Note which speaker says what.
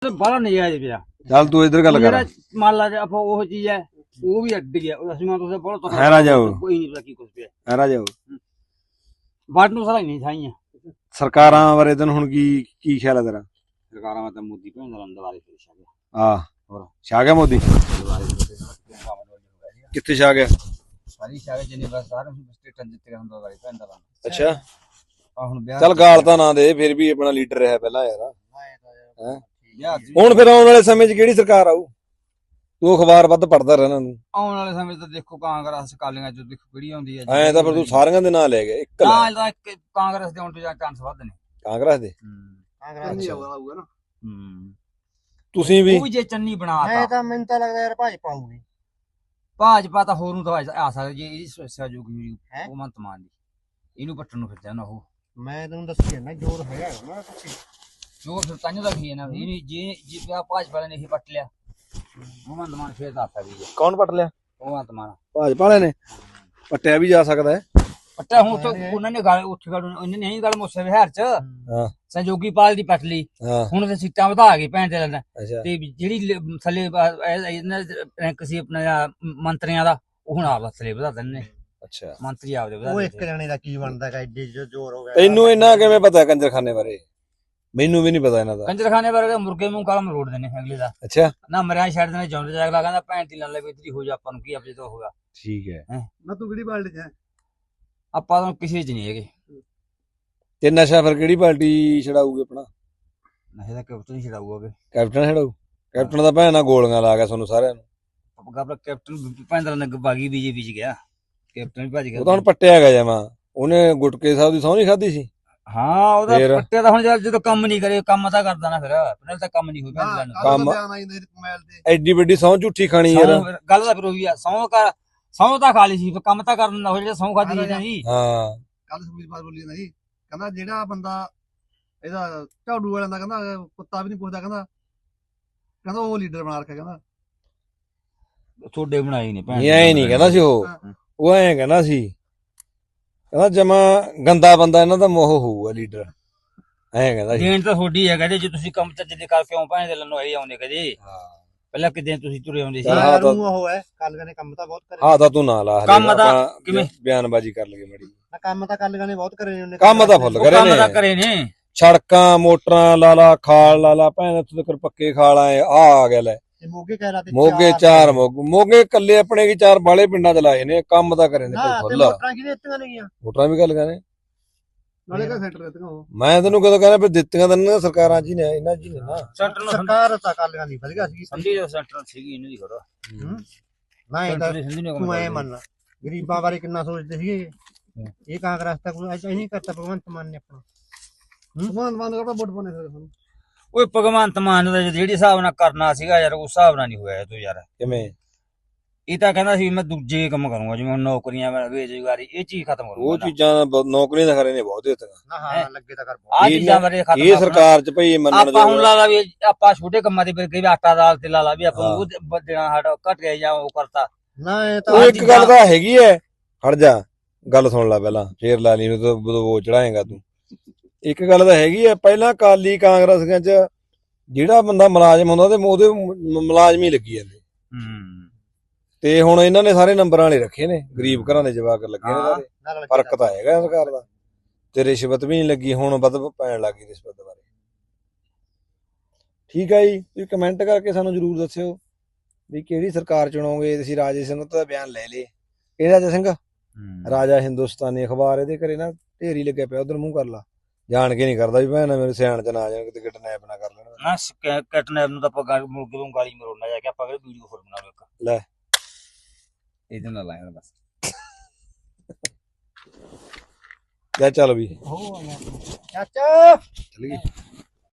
Speaker 1: बड़ा नजायज पिया
Speaker 2: चल तू इधर गल कर
Speaker 1: मान ला आप वो चीज है वो भी अड्डी है ਅਸੀਂ ਮੈਂ ਤੁਸੀਂ ਬੋਲੋ ਤਾਂ
Speaker 2: ਹੈਰਾ ਜਾਓ
Speaker 1: ਕੋਈ ਨਹੀਂ ਪਤਾ ਕੀ ਕੁਝ ਪਿਆ
Speaker 2: ਹੈਰਾ ਜਾਓ
Speaker 1: ਬਾਟ ਨੂੰ ਸਾਰਾ ਹੀ ਨਹੀਂ ਥਾਈਆਂ
Speaker 2: ਸਰਕਾਰਾਂ ਬਾਰੇ ਤੈਨੂੰ ਹੁਣ ਕੀ ਖਿਆਲ ਹੈ ਤੇਰਾ
Speaker 1: ਸਰਕਾਰਾਂ ਮੈਂ ਤਾਂ ਮੋਦੀ ਭੈਣ ਦਾ ਲੰਦ ਵਾਲੇ ਫਿਰ ਛਾ ਗਿਆ
Speaker 2: ਆ
Speaker 1: ਹੋਰ
Speaker 2: ਛਾ ਗਿਆ ਮੋਦੀ ਕਿੱਥੇ ਛਾ ਗਿਆ
Speaker 1: ਸਾਰੀ ਛਾ ਗਿਆ ਜਿੰਨੇ ਬਸ ਸਾਰੇ ਸਟੇਟਾਂ ਜਿੱਤੇ ਹੁੰਦਾ ਵਾਲੀ ਭੈਣ ਦਾ ਲੰਦ
Speaker 2: ਅੱਛਾ
Speaker 1: ਆ ਹੁਣ ਵਿਆਹ
Speaker 2: ਚੱਲ ਗਾਲ ਤਾਂ ਨਾ ਦੇ ਫਿਰ ਵੀ ਆਪਣਾ ਲੀਡਰ ਰਿਹਾ ਪਹਿਲਾਂ ਯਾਰ
Speaker 1: ਹੈ
Speaker 2: ਹੁਣ ਫਿਰ ਆਉਣ ਵਾਲੇ ਸਮੇਂ 'ਚ ਕਿਹੜੀ ਸਰਕਾਰ ਆਊ ਤੂੰ ਅਖਬਾਰ ਵੱਧ ਪੜਦਾ ਰਹਿਣਾ ਨੂੰ
Speaker 1: ਆਉਣ ਵਾਲੇ ਸਮੇਂ ਤੇ ਦੇਖੋ ਕਾਂਗਰਸ ਕਾਲੀਆਂ ਚ ਦੇਖੋ ਕਿਹੜੀ ਆਉਂਦੀ ਹੈ
Speaker 2: ਐ ਤਾਂ ਫਿਰ ਤੂੰ ਸਾਰਿਆਂ ਦੇ ਨਾਂ ਲੈ ਗਿਆ ਇੱਕ ਲੈ
Speaker 1: ਨਾ ਤਾਂ ਇੱਕ ਕਾਂਗਰਸ ਦੇ ਹੁਣ ਤੋਂ ਚਾਂਸ ਵੱਧ ਨੇ
Speaker 2: ਕਾਂਗਰਸ ਦੇ
Speaker 1: ਕਾਂਗਰਸ ਨਹੀਂ ਆਊਗਾ ਨਾ
Speaker 2: ਤੁਸੀਂ ਵੀ
Speaker 1: ਉਹ ਵੀ ਜੇ ਚੰਨੀ ਬਣਾਤਾ
Speaker 3: ਮੈਂ ਤਾਂ ਮੈਨੂੰ ਤਾਂ ਲੱਗਦਾ ਯਾਰ ਭਾਜਪਾ ਆਊਗੀ
Speaker 1: ਭਾਜਪਾ ਤਾਂ ਹੋਰ ਨੂੰ ਤਾਂ ਆ ਸਕਦਾ ਜੇ ਇਹਦੀ ਸਹਿਯੋਗੀ ਹੋਈ ਉਹ ਮੰਤ ਮਾਨ ਦੀ ਇਹਨੂੰ ਪੱਟਣ ਨੂੰ ਫਿਰਦਾ ਨਾ ਉਹ
Speaker 3: ਮੈਂ ਤੈਨੂੰ ਦੱਸਿਆ ਨਾ ਜੋਰ ਹੈਗਾ ਨਾ ਕੁਛ
Speaker 1: ਜੋ ਫਿਰ ਤੰਨ ਦਾ ਕੀ ਹੈ ਨਾ ਇਹਨੇ ਜੇ ਭਾਜਪਾ ਵਾਲੇ ਨੇ ਇਹ ਪੱਟ ਲਿਆ ਉਹ ਮੰਤ ਮਾਨ ਫੇਰ ਦਾ ਸਕਦੀ ਹੈ
Speaker 2: ਕੌਣ ਪੱਟ ਲਿਆ
Speaker 1: ਉਹ ਮੰਤ ਮਾਨ
Speaker 2: ਭਾਜਪਾ ਵਾਲੇ ਨੇ ਪੱਟਿਆ ਵੀ ਜਾ ਸਕਦਾ ਹੈ
Speaker 1: ਪੱਟਾ ਹੁਣ ਤਾਂ ਉਹਨਾਂ ਨੇ ਗੱਲ ਉੱਥੇ ਗੱਲ ਉਹਨੇ ਨਹੀਂ ਗੱਲ ਮੋਸੇ ਵਿਹਾਰ ਚ
Speaker 2: ਹਾਂ
Speaker 1: ਸੰਜੋਗੀ ਪਾਲ ਦੀ ਪੱਟ ਲਈ
Speaker 2: ਹਾਂ
Speaker 1: ਹੁਣ ਤੇ ਸੀਟਾਂ ਵਧਾ ਗਏ ਭੈਣ ਦੇ ਲੈਣਾ
Speaker 2: ਅੱਛਾ
Speaker 1: ਤੇ ਜਿਹੜੀ ਥੱਲੇ ਇਹਨਾਂ ਰੈਂਕ ਸੀ ਆਪਣਾ ਮੰਤਰੀਆਂ ਦਾ ਉਹ ਹੁਣ ਆਪ ਥੱਲੇ ਵਧਾ ਦਿੰਦੇ ਨੇ
Speaker 2: ਅੱਛਾ
Speaker 1: ਮੰਤਰੀ ਆਪਦੇ ਵਧਾ
Speaker 3: ਉਹ ਇੱਕ ਜਣੇ ਦਾ ਕੀ ਬਣਦਾ ਹੈ ਐਡੇ ਜ਼ੋਰ ਹੋ ਗਿਆ
Speaker 2: ਤੈਨੂੰ ਇਹਨਾਂ ਕਿਵੇਂ ਪਤਾ ਕੰਜਰਖਾਨੇ ਬਾਰੇ ਮੈਨੂੰ ਵੀ ਨਹੀਂ ਪਤਾ ਇਹਨਾਂ ਦਾ
Speaker 1: ਕੰਜਰਖਾਨੇ ਵਰਗੇ ਮੁਰਗੇ ਮੂੰਹ ਕਾਲਾ ਮਰੋੜ ਦਿੰਦੇ ਅਗਲੇ ਦਾ
Speaker 2: ਅੱਛਾ
Speaker 1: ਨਾ ਮਰਿਆ ਛੱਡ ਦੇਣੇ ਚਾਹੁੰਦੇ ਜਾ ਅਗਲਾ ਕਹਿੰਦਾ ਭੈਣ ਦੀ ਲੱਲੇ ਇਤਰੀ ਹੋ ਜਾ ਆਪਾਂ ਨੂੰ ਕੀ ਆਪੇ ਤੋਂ ਹੋਗਾ
Speaker 2: ਠੀਕ ਹੈ
Speaker 3: ਨਾ ਤੂੰ ਕਿਹੜੀ ਬਾਲਟੀ ਚ
Speaker 1: ਆਪਾਂ ਤਾਂ ਕਿਸੇ ਚ ਨਹੀਂ ਹੈਗੇ
Speaker 2: ਤੇ ਨਸ਼ਾ ਫਿਰ ਕਿਹੜੀ ਪਾਰਟੀ ਛਡਾਊਗੀ ਆਪਣਾ
Speaker 1: ਨਸ਼ੇ ਦਾ ਕੈਪਟਨ ਹੀ ਛਡਾਊਗਾ
Speaker 2: ਕੈਪਟਨ ਛਡਾਊ ਕੈਪਟਨ ਦਾ ਭੈਣ ਨਾਲ ਗੋਲੀਆਂ ਲਾ ਗਿਆ ਤੁਹਾਨੂੰ ਸਾਰਿਆਂ ਨੂੰ
Speaker 1: ਆਪਣਾ ਕੈਪਟਨ ਭੈਂਦਰਾ ਨੇ ਬਾਗੀ ਬੀਜੇਪੀ ਚ ਗਿਆ ਕੈਪਟਨ ਵੀ ਭੱਜ ਗਿਆ
Speaker 2: ਉਹ ਤਾਂ ਹੁਣ ਪੱਟਿਆ ਗਿਆ ਜਮਾ ਉਹਨੇ ਗੁਟਕੇ ਸਾਹਿਬ ਦੀ ਸਹੁੰ ਨਹੀਂ ਖਾਧੀ ਸੀ
Speaker 1: ਹਾਂ ਉਹਦਾ
Speaker 2: ਫੇਰ?
Speaker 1: ਪੱਟਿਆ ਤਾਂ ਹੁਣ ਜਦੋਂ ਕੰਮ ਨਹੀਂ ਕਰੇ ਕੰਮ ਤਾਂ ਕਰਦਾ ਨਾ ਫਿਰ ਪਹਿਲਾਂ ਤਾਂ ਕੰਮ ਨਹੀਂ ਹੋਈ ਭੈਣ ਦਾ
Speaker 2: ਕੰਮ ਐਡੀ ਵੱਡੀ ਸਹੁੰ ਝੂਠੀ ਖਾਣੀ ਯਾਰ
Speaker 1: ਗੱਲ ਤਾਂ ਫਿਰ ਉਹੀ ਆ ਸੌਂ ਤਾਂ ਖਾ ਲਈ ਸੀ ਫਿਰ ਕੰਮ ਤਾਂ ਕਰ ਦਿੰਦਾ ਉਹ ਜਿਹੜਾ ਸੌਂ ਖਾਦੀ ਸੀ ਨਾ ਜੀ
Speaker 2: ਹਾਂ
Speaker 3: ਕੱਲ ਸੁਖਬੀਰ ਬਾਦਲ ਬੋਲੀ ਨਾ ਜੀ ਕਹਿੰਦਾ ਜਿਹੜਾ ਬੰਦਾ ਇਹਦਾ ਝਾੜੂ ਵਾਲਿਆਂ ਦਾ ਕਹਿੰਦਾ ਕੁੱਤਾ ਵੀ ਨਹੀਂ ਪੁੱਛਦਾ ਕਹਿੰਦਾ ਉਹ ਲੀਡਰ ਬਣਾ ਰੱਖਿਆ ਕਹਿੰਦਾ
Speaker 1: ਤੁਹਾਡੇ ਬਣਾਈ ਨੇ ਭੈਣ
Speaker 2: ਨਹੀਂ ਐ ਨਹੀਂ ਕਹਿੰਦਾ ਸੀ ਉਹ ਐਂ ਕਹਿੰਦਾ ਸੀ ਕਹਿੰਦਾ ਜਮਾ ਗੰਦਾ ਬੰਦਾ ਇਹਨਾਂ ਦਾ ਮੋਹ ਹੋਊਗਾ ਲੀਡਰ ਐਂ ਕਹਿੰਦਾ ਸੀ
Speaker 1: ਦੇਣ ਤਾਂ ਤੁਹਾਡੀ ਹੈ ਕਹਿੰਦੇ ਜੇ ਤੁਸੀਂ ਕੰਮ ਚੱਜ ਦੇ ਕਰ ਕਿਉਂ ਭੈਣ ਦੇ ਲੰਨੋ ਆਈ ਆਉਂਦੇ ਕਦੇ ਪਹਿਲਾਂ ਕਿਤੇ ਤੁਸੀਂ ਤੁਰੇ ਆਉਂਦੇ ਸੀ
Speaker 2: ਹਾਂ ਤਾਂ
Speaker 3: ਉਹ ਹੈ ਕੱਲ ਨੇ ਕੰਮ ਤਾਂ ਬਹੁਤ ਕਰੇ
Speaker 2: ਹਾਂ ਤਾਂ ਤੂੰ ਨਾ ਲਾ
Speaker 1: ਕੰਮ ਤਾਂ ਕਿਵੇਂ?
Speaker 2: ਬਿਆਨਬਾਜ਼ੀ ਕਰ ਲਗੇ ਮੜੀ
Speaker 3: ਕੰਮ ਤਾਂ ਕੱਲ ਨੇ ਬਹੁਤ ਕਰੇ ਨੇ ਉਹਨੇ
Speaker 2: ਕੰਮ ਤਾਂ ਫੁੱਲ ਕਰੇ
Speaker 1: ਕੰਮ ਤਾਂ
Speaker 2: ਨੇ
Speaker 1: ਕਰੇ ਨੇ
Speaker 2: ਸੜਕਾਂ ਮੋਟਰਾਂ ਲਾਲਾ ਖਾਲ ਲਾਲਾ ਭੈਣ ਉੱਥੇ ਤੱਕ ਪੱਕੇ ਖਾਲ ਆਏ ਆ ਗਿਆ ਲੈ
Speaker 3: ਤੇ ਮੋਗੇ ਕਹਿ ਰਾ ਤੇ
Speaker 2: ਮੋਗੇ ਚਾਰ ਮੋਗੇ ਕੱਲੇ ਆਪਣੇ ਕੀ ਚਾਰ ਬਾਲੇ ਪਿੰਡਾਂ ਚ ਲਾਏ ਨੇ ਕੰਮ ਤਾਂ ਕਰੇ ਨੇ
Speaker 3: ਨਾ
Speaker 2: ਕੋਈ
Speaker 3: ਤੇ
Speaker 2: ਫੁੱਲ
Speaker 3: ਮੋਟਰਾਂ ਕਿਹਦੇ ਦਿੱਤੀਆਂ ਨੇ ਗੀਆਂ
Speaker 2: ਮੋਟਰਾਂ ਵੀ ਗੱਲ ਕਰੇ
Speaker 3: ਨਾਲੇ ਕਾ ਸੈਂਟਰ ਦਿੱਤੀਆਂ ਉਹ
Speaker 2: ਮੈਂ ਤੈਨੂੰ ਕਦੋਂ ਕਹਿੰਦਾ ਵੀ ਦਿੱਤੀਆਂ ਤਾਂ ਇਹਨਾਂ ਸਰਕਾਰਾਂ ਜੀ ਨੇ ਇਹਨਾਂ ਜੀ ਨੇ ਨਾ
Speaker 1: ਸੈਂਟਰ ਨੂੰ
Speaker 3: ਸਰਕਾਰ ਤਾਂ ਕੱਲ ਨਹੀਂ ਵਧੀਆ ਸੀ
Speaker 1: ਸੰਧੀ ਦਾ ਸੈਂਟਰ ਸੀਗੀ ਇਹਨਾਂ ਦੀ ਖੜਾ
Speaker 3: ਨਾ ਇਹ ਤਾਂ
Speaker 1: ਸੰਧੀ ਨੇ
Speaker 3: ਤੂੰ ਐ ਮੰਨ ਗਰੀਬਾਂ ਬਾਰੇ ਕਿੰਨਾ ਸੋਚਦੇ ਸੀਗੇ ਇਹ ਕਾਂਗਰਸ ਤਾਂ ਕੋਈ ਐਸਾ ਨਹੀਂ ਕਰਤਾ ਭਗਵੰਤ ਮਾਨ ਨੇ ਆਪਣਾ ਭਗਵੰਤ ਮਾਨ ਦਾ ਵੋਟ ਪਾਣੇ ਫਿਰ
Speaker 1: ਓਏ ਭਗਵੰਤ ਮਾਨ ਦਾ ਜਿਹੜੀ ਹਿਸਾਬ ਨਾਲ ਕਰਨਾ ਸੀਗਾ ਯਾਰ ਉਸ ਹਿਸਾਬ ਨਾਲ ਨਹੀਂ ਹੋਇਆ ਤੂੰ ਯਾਰ
Speaker 2: ਕਿਵੇਂ
Speaker 1: ਇਹ ਤਾਂ ਕਹਿੰਦਾ ਸੀ ਮੈਂ ਦੂਜੇ ਕੰਮ ਕਰੂੰਗਾ ਜਿਵੇਂ ਹੁਣ ਨੌਕਰੀਆਂ ਬੇਰੁਜ਼ਗਾਰੀ ਇਹ ਚੀਜ਼ ਖਤਮ
Speaker 2: ਉਹ
Speaker 1: ਕਰੂੰਗਾ
Speaker 2: ਚੀਜ਼ਾਂ ਨੌਕਰੀਆਂ ਤਾਂ ਖਰੇ ਨੇ ਬਹੁਤ ਦਿੱਤੀਆਂ
Speaker 3: ਨਾ ਹਾਂ ਲੱਗੇ ਤਾਂ ਕਰ
Speaker 1: ਆ ਚੀਜ਼ਾਂ ਬਾਰੇ ਖਤਮ
Speaker 2: ਇਹ ਸਰਕਾਰ ਚ ਭਈ ਮੰਨਣ
Speaker 1: ਆਪਾਂ ਹੁਣ
Speaker 2: ਜੋ
Speaker 1: ਲਾ ਲਾ ਵੀ ਆਪਾਂ ਛੋਟੇ ਕੰਮਾਂ ਦੇ ਵੀ ਆਟਾ ਦਾਲ ਤੇ ਲਾ ਲਾ ਵੀ ਆਪਾਂ ਉਹ ਦੇਣਾ ਸਾਡਾ ਘਟ ਗਿਆ ਜਾਂ ਉਹ ਕਰਤਾ
Speaker 3: ਨਾ ਇਹ ਤਾਂ
Speaker 2: ਉਹ ਇੱਕ ਗੱਲ ਤਾਂ ਹੈਗੀ ਐ ਹਟ ਜਾ ਗੱਲ ਸੁਣ ਲੈ ਪਹਿਲਾਂ ਫੇਰ ਲਾ ਲਈ ਨੂੰ ਤਾਂ ਉਹ ਚੜਾਏਗਾ ਤੂੰ ਇੱਕ ਗੱਲ ਤਾਂ ਹੈਗੀ ਐ ਪਹਿਲਾਂ ਕਾਲੀ ਕਾਂਗਰਸੀਆਂ ਚ ਜਿਹੜਾ ਬੰਦਾ ਮੁਲਾਜ਼ਮ ਹੁੰਦਾ ਤੇ ਉਹਦੇ ਮੁਲਾਜ਼ਮ ਹੀ ਲੱਗੀ ਜਾਂਦੇ ਤੇ ਹੁਣ ਇਹਨਾਂ ਨੇ ਸਾਰੇ ਨੰਬਰਾਂ ਵਾਲੇ ਰੱਖੇ ਨੇ ਗਰੀਬ ਘਰਾਂ ਦੇ ਜਵਾਕ ਲੱਗੇ ਨੇ ਸਾਰੇ ਫਰਕ ਤਾਂ ਹੈਗਾ ਸਰਕਾਰ ਦਾ ਤੇ ਰਿਸ਼ਵਤ ਵੀ ਨਹੀਂ ਲੱਗੀ ਹੁਣ ਵੱਧ ਪੈਣ ਲੱਗੀ ਰਿਸ਼ਵਤ ਬਾਰੇ ਠੀਕ ਹੈ ਜੀ ਤੁਸੀਂ ਕਮੈਂਟ ਕਰਕੇ ਸਾਨੂੰ ਜਰੂਰ ਦੱਸਿਓ ਵੀ ਕਿਹੜੀ ਸਰਕਾਰ ਚੁਣੋਗੇ ਤੁਸੀਂ ਰਾਜੇ ਸਿੰਘ ਦਾ ਬਿਆਨ ਲੈ ਲੇ ਇਹ ਰਾਜਾ ਸਿੰਘ ਰਾਜਾ ਹਿੰਦੁਸਤਾਨੀ ਅਖਬਾਰ ਇਹਦੇ ਘਰੇ ਨਾ ਢੇਰੀ ਲੱਗਿਆ ਪਿਆ ਉਧਰ ਮੂੰਹ ਕਰ ਲਾ ਜਾਣ ਕੇ ਨਹੀਂ ਕਰਦਾ ਵੀ ਭੈਣ ਮੇਰੇ ਸਿਆਣ ਚ ਨਾ ਜਾਣ ਕਿਤੇ ਕਿਡਨੈਪ ਨਾ ਕਰ ਲੈਣ
Speaker 1: ਨਾ ਕੈਟਨੈਪ ਨੂੰ ਤਾਂ ਆਪਾਂ ਮੁਰਗੇ ਨੂੰ ਗਾਲੀ ਮਰੋਣਾ ਜਾ ਕੇ ਆਪਾਂ ਵੀਡੀਓ ਫੋਰ ਬਣਾ ਲਓ ਇੱਕ
Speaker 2: ਲੈ
Speaker 1: ਇਹਦੇ ਨਾਲ ਲਾਇਆ ਬਸ
Speaker 2: ਲੈ ਚੱਲ ਵੀ
Speaker 3: ਚਾਚਾ
Speaker 2: ਚਲ ਗਈ